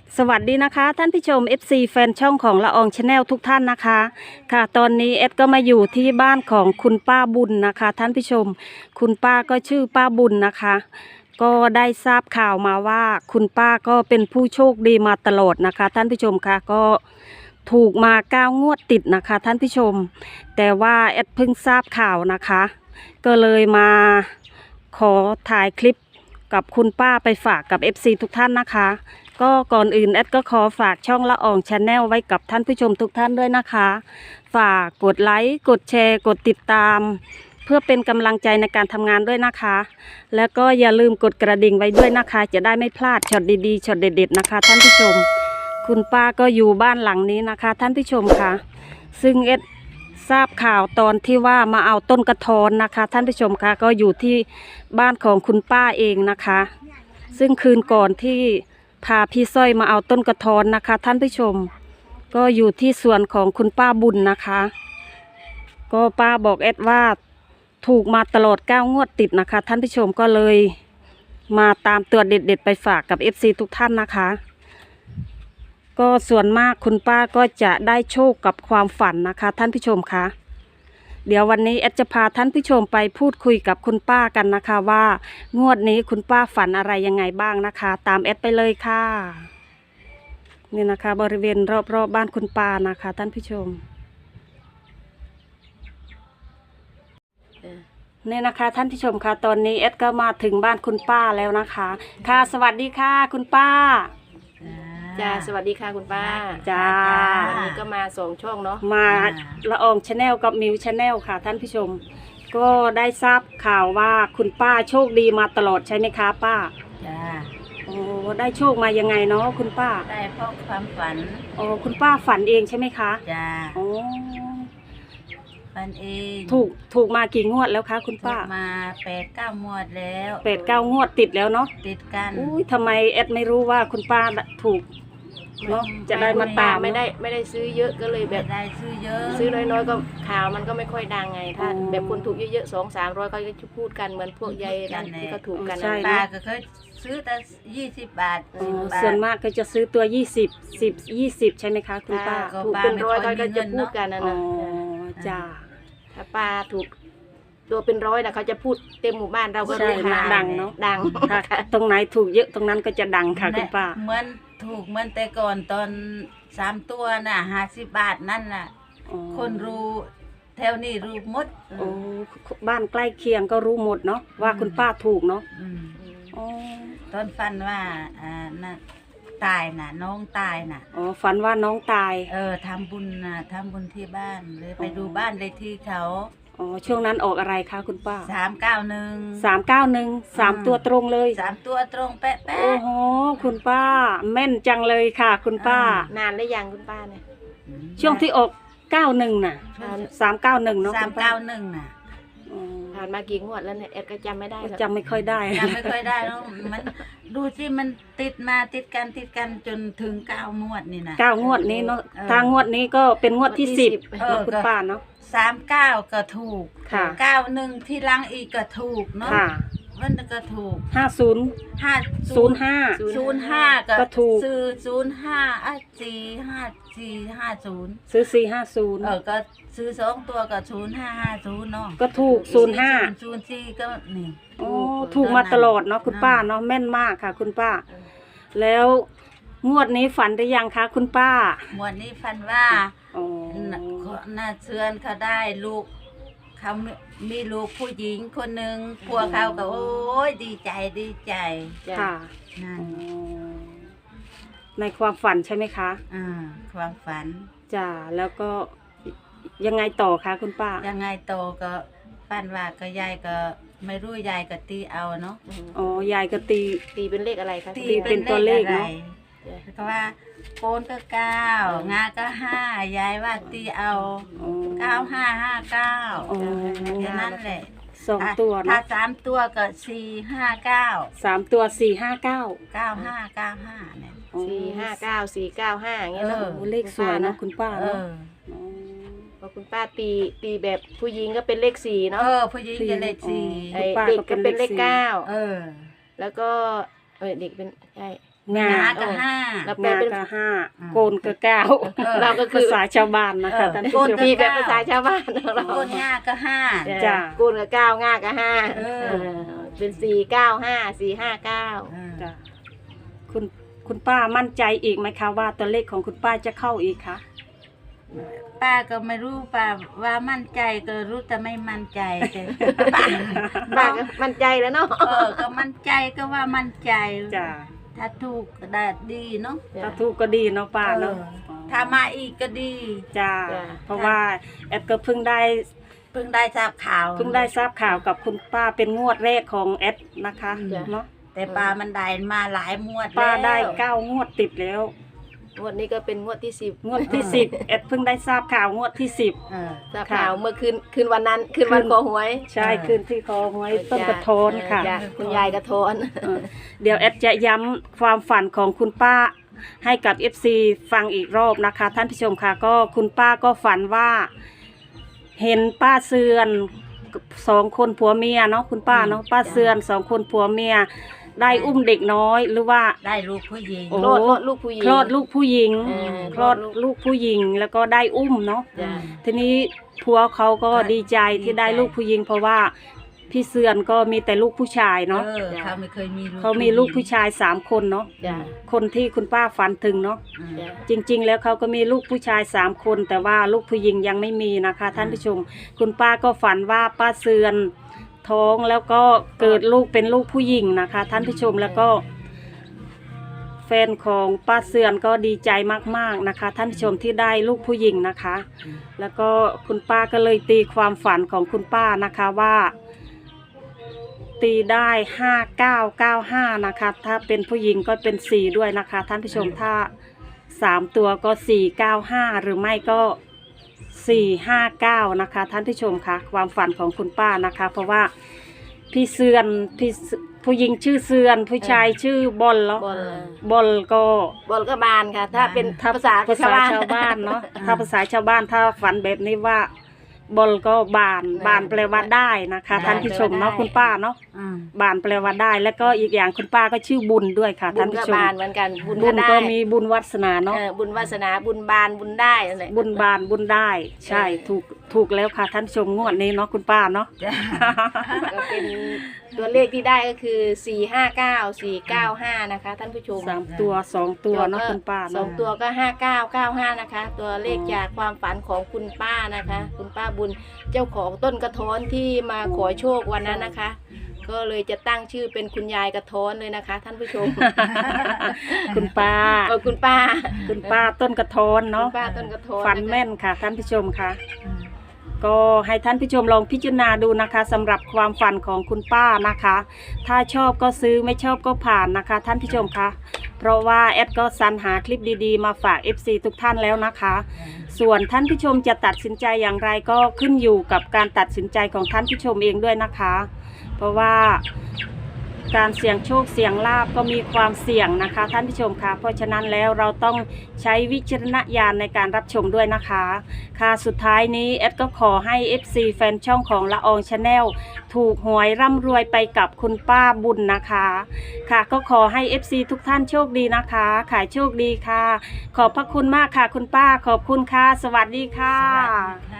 สวัสดีนะคะท่านผู้ชม FC แฟนช่องของละอองชาแนลทุกท่านนะคะค่ะตอนนี้เอ็ดก็มาอยู่ที่บ้านของคุณป้าบุญนะคะท่านผู้ชมคุณป้าก็ชื่อป้าบุญนะคะก็ได้ทราบข่าวมาว่าคุณป้าก็เป็นผู้โชคดีมาตลอดนะคะท่านผู้ชมค่ะก็ถูกมา9 งวดติดนะคะท่านผู้ชมแต่ว่าเอ็ดเพิ่งทราบข่าวนะคะก็เลยมาขอถ่ายคลิปกับคุณป้าไปฝากกับ FC ทุกท่านนะคะก็ก่อนอื่นแอดก็ขอฝากช่องละอองชาแนลไว้กับท่านผู้ชมทุกท่านด้วยนะคะฝากกดไลค์กดแชร์กดติดตามเพื่อเป็นกำลังใจในการทำงานด้วยนะคะแล้วก็อย่าลืมกดกระดิ่งไว้ด้วยนะคะจะได้ไม่พลาดช็อตดีๆช็อตเด็ดๆนะคะท่านผู้ชมคุณป้าก็อยู่บ้านหลังนี้นะคะท่านผู้ชมค่ะซึ่งเอ็ดทราบข่าวตอนที่ว่ามาเอาต้นกระท้อนนะคะท่านผู้ชมค่ะก็อยู่ที่บ้านของคุณป้าเองนะคะซึ่งคืนก่อนที่พาพี่สร้อยมาเอาต้นกระท้อนนะคะท่านผู้ชมก็อยู่ที่สวนของคุณป้าบุญนะคะก็ป้าบอกเอ็ดว่าถูกมาตลอด9 งวดติดนะคะท่านผู้ชมก็เลยมาตามตัวเด็ดๆไปฝากกับ FC ทุกท่านนะคะก็ส่วนมากคุณป้าก็จะได้โชคกับความฝันนะคะท่านผู้ชมคะเดี๋ยววันนี้แอดจะพาท่านผู้ชมไปพูดคุยกับคุณป้ากันนะคะว่างวดนี้คุณป้าฝันอะไรยังไงบ้างนะคะตามแอดไปเลยค่ะนี่นะคะบริเวณรอบๆบ้านคุณป้านะคะท่านผู้ชมนี่นะคะท่านผู้ชมค่ะตอนนี้แอดก็มาถึงบ้านคุณป้าแล้วนะคะค่ะสวัสดีค่ะคุณป้าจ้าสวัสดีค่ะคุณป้าจ้าวันนี้ก็มา2 ช่องเนาะมาละอองชาแนลกับมิวชาแนลค่ะท่านผู้ชมก็ได้ทราบข่าวว่าคุณป้าโชคดีมาตลอดใช่ไหมคะป้าจ้าโอ้ได้โชคมายังไงเนาะคุณป้าได้เพราะความฝันโอ้คุณป้าฝันเองใช่ไหมคะจ้าโอ้ฝันเองถูกมากี่งวดแล้วคะคุณป้ามา8-9 งวดแล้ว 8-9 งวดติดแล้วเนาะติดกันอุ้ยทำไมแอดไม่รู้ว่าคุณป้าถูกเนาะจะได้มาตามไม่ได้ซื้อเยอะก็เลยแบบได้ซื้อเยอะซื้อน้อยๆก็ข่าวมันก็ไม่ค่อยดังไงถ้าแบบคนถูกเยอะๆ200-300ก็จะพูดกันเหมือนพวกยายนั่นที่ก็ถูกกันป้าก็เคยซื้อแต่20 บาทส่วนมากก็จะซื้อตัว20 ใช่ไหมคะคุณป้าถูกเป็น100ก็จะพูดกันนะจ้าถ้าป้าถูกตัวเป็น100นะเขาจะพูดเต็มหมู่บ้านเราก็รู้ดังเนาะดังตรงไหนถูกเยอะตรงนั้นก็จะดังค่ะคุณป้าเหมือนถูกเหมือนแต่ก่อนตอน3 ตัวน่ะ50 บาทนั่นน่ะคนรู้แถวนี้รู้หมดโอ้บ้านใกล้เคียงก็รู้หมดเนาะว่าคุณป้าถูกเนาะตอนฝันว่าน่ะตายน่ะน้องตายน่ะอ๋อฝันว่าน้องตายทำบุญน่ะทำบุญที่บ้านเลยไปดูบ้านเลยที่เขาอ๋อช่วงนั้นออกอะไรคะคุณป้า 391 3ตัวตรงเลย 3ตัวตรงเป๊ะโอ้โหคุณป้าแม่นจังเลยค่ะคุณป้านานได้ยังคุณป้าเนี่ยช่วงที่ออก91น่ะ391เนาะ 391น่ะผ่านมากี่งวดแล้วเนี่ยแอดก็จำไม่ได้จำไม่ค่อยได้แล้วมันดูสิมันติดมาติดกันจนถึง9 งวดนี่นะ 9 งวดนี้เนาะทางงวดนี้ก็เป็นงวดที่10คุณป้าเนาะ 39ก็ถูก91ที่หลังอีกก็ถูกเนาะมันก็ถูก 05 ก็ถูกซื้อ0450 ซื้อ450 ก็ซื้อ2 ตัวก็0550เนาะก็ถูก 04ก็นี่โอ้ถูกมาตลอดเนาะคุณป้าเนาะแม่นมากค่ะคุณป้าแล้วงวดนี้ฝันหรือยังคะคุณป้างวดนี้ฝันว่าน่าเชื่อนเขาได้ลูกเขามีลูกผู้หญิงคนหนึ่งพวกเขาก็โอ้ยดีใจค่ะนั่นในความฝันใช่ไหมคะความฝันจ้าแล้วก็ยังไงต่อคะคุณป้ายังไงต่อก็ฝันว่าก็ยายก็ไม่รู้ยายก็ตีเอาเนาะอ๋อยายก็ตีเป็นเลขอะไรคะตีเป็นตัวเลขเนาะก็ว่าโกนก็9งาก็5ยายว่าตีเอา9559แค่นั้นแหละ 2 ตัวถ้า3 ตัวก็459 3 ตัว 9595เนี่ย 459 495อย่างเงี้ยเนาะเลขสวยนะคุณป้าเนาะพอคุณป้าตีแบบผู้หญิงก็เป็นเลข4เนาะผู้หญิงจะเลข4 เด็กก็เป็นเลข9แล้วก็เด็กเป็นใช่งาหนาก็ห้าแล้วแปลงาเป็นก็ห้าอืมโกนก็เก้าเราก็คือภาษาชาวบ้านนะคะท่านผู้ชมมีแบบภาษาชาวบ้านของเราก้นง่าก็ห้าจ้ะกูนกับเก้าง่ากับห้าเออเป็น495 459 จ้ะคุณป้ามั่นใจอีกไหมคะว่าตัวเลขของคุณป้าจะเข้าอีกคะป้าก็ไม่รู้ป้าว่ามั่นใจก็รู้แต่ไม่มั่นใจแต่ป้าบ้านก็มั่นใจแล้วเนาะก็มั่นใจก็ว่ามั่นใจจ้ะถ้าถูกก็ได้ดีเนาะถ้าถูกก็ดีเนาะป้าเนาะถ้ามาอีกก็ดีจ้ะเพราะว่าแอดก็เพิ่งได้เพิ่งได้ทราบข่าวทราบข่าวกับคุณป้าเป็นงวดแรกของแอดนะคะจ้ะเนาะแต่ป้ามันได้มาหลายมวดป้าได้แล้ว 9 งวดติดแล้วงวดนี้ก็เป็นงวดที่10 งวดที่ 10แอดเพิ่งได้ทราบข่าวงวดที่เออทราบข่าวเมื่อคืนวันนั้นคืนวันขอหวย 10ใช่คืนที่คอหวยต้นกระโทนค่ะจ้คุณยายกระโทนเดี๋ยวแอดจะย้ำความฝันของคุณป้าให้กับ FC ฟังอีกรอบนะคะ ท่านผู้ชมค่ะก็คุณป้าก็ฝันว่า เห็นป้าเสือน2 คนผัวเมียเนาะคุณป้าเนาะป้าเสือน2 คนผัวเมีย ได้อุ้มเด็กน้อยหรือว่าได้ลูกผู้หญิงโอ้โลดลูกผู้หญิงคลอดลูกผู้หญิงคคลลออดดลูกลูกผู้หญิงแล้วก็ได้อุ้มเนาะจ้ะทีนี้ผัวเขาก็ดีใจที่ได้ลูกผู้หญิง เพราะว่าพี่เสือนก็มีแต่ลูกผู้ชายเนาะเขาไม่เคยมีลูกเขามีลูกผู้ชาย3 คนเนาะจ้ะคนที่คุณป้าฝันถึงเนาะอืมจ้ะจริง ๆ แล้วเขาก็มีลูกผู้ชาย3 คน แต่ว่าลูกผู้หญิงยังไม่มีนะคะ ท่านผู้ชม คุณป้าก็ฝันว่าป้าเสือนท้องแล้วก็เกิดลูกเป็นลูกผู้หญิงนะคะ ท่านผู้ชมแล้วก็ แฟนของป้าเสือนก็ดีใจมากๆนะคะ ท่านผู้ชมที่ได้ลูกผู้หญิงนะคะ แล้วก็คุณป้าก็เลยตีความฝันของคุณป้านะคะว่า ตีได้5995นะคะถ้าเป็นผู้หญิงก็เป็น4ด้วยนะคะ ท่านผู้ชมถ้า3 ตัวก็495หรือไม่ก็459นะคะ ท่านผู้ชมคะความฝันของคุณป้านะคะ เพราะว่าพี่เสือนผู้หญิงชื่อเสือนผู้ชายชื่อบอลแล้วบอลบอลก็บอลก็บานค่ะ ถ้าเป็นถ้าภาษาภาษาชาวบ้านเนาะถ้าภาษาชาวบ้านถ้าฝันแบบนี้ว่าบอลก็บานแปลว่าได้นะคะ ท่านผู้ชมเนาะคุณป้าเนาะอืมบานแปลว่าได้ แล้วก็อีกอย่างคุณป้าก็ชื่อบุญด้วยค่ะบุท่านญก็ผู้ชมบานเหมือนกันบุญบุก็ญได้ก็มีบุญวัสนาเนาะบุญวาสนาบุญบานบุญได้นั่นแหละบุญบานบุญได้ ใช่ถูกแล้วค่ะท่านผู้ชมงวดนี้เนาะคุณป้าเนาะจ้ะก็เป็นตัวเลขที่ได้ก็คือ459 495นะคะท่านผู้ชม 3 ตัว 2 ตัวเนาะคุณป้าสอเนาะงตัวก็5995นะคะ ตัวเลขจากความฝันของคุณป้านะคะ คุณป้าบุญเจ้าของต้นกระท้อนที่มาขอโชควันนั้นนะคะ ก็เลยจะตั้งชื่อเป็นคุณยายกระท้อนเลยนะคะ ท่านผู้ชมคุณป้าคุณป้าคุณป้าต้นกระโทนคุเนาะณป้าต้นกระท้อนฝันแม่นค่ะท่านผู้ชมค่ะ ก็ให้ท่านผู้ชมลองพิจารณาดูนะคะสำหรับความฝันของคุณป้านะคะ ถ้าชอบก็ซื้อไม่ชอบก็ผ่านนะคะ ท่านผู้ชมคะเพราะว่าแอดก็สรรหาคลิปดีๆมาฝาก FC ทุกท่านแล้วนะคะ ส่วนท่านผู้ชมจะตัดสินใจอย่างไรก็ขึ้นอยู่กับการตัดสินใจของท่านผู้ชมเองด้วยนะคะ เพราะว่าการเสี่ยงโชคเสี่ยงลาภก็มีความเสี่ยงนะคะท่านผู้ชมคะเพราะฉะนั้นแล้วเราต้องใช้วิจารณญาณในการรับชมด้วยนะคะค่ะสุดท้ายนี้แอดก็ขอให้ FC แฟนช่องของละอองชาแนลถูกหวยร่ำรวยไปกับคุณป้าบุญนะคะค่ะก็ขอให้ FC ทุกท่านโชคดีนะคะขายโชคดีค่ะ ขอบพระคุณมากค่ะคุณป้าขอบคุณค่ะสวัสดีค่ะสวัสดีค่ะ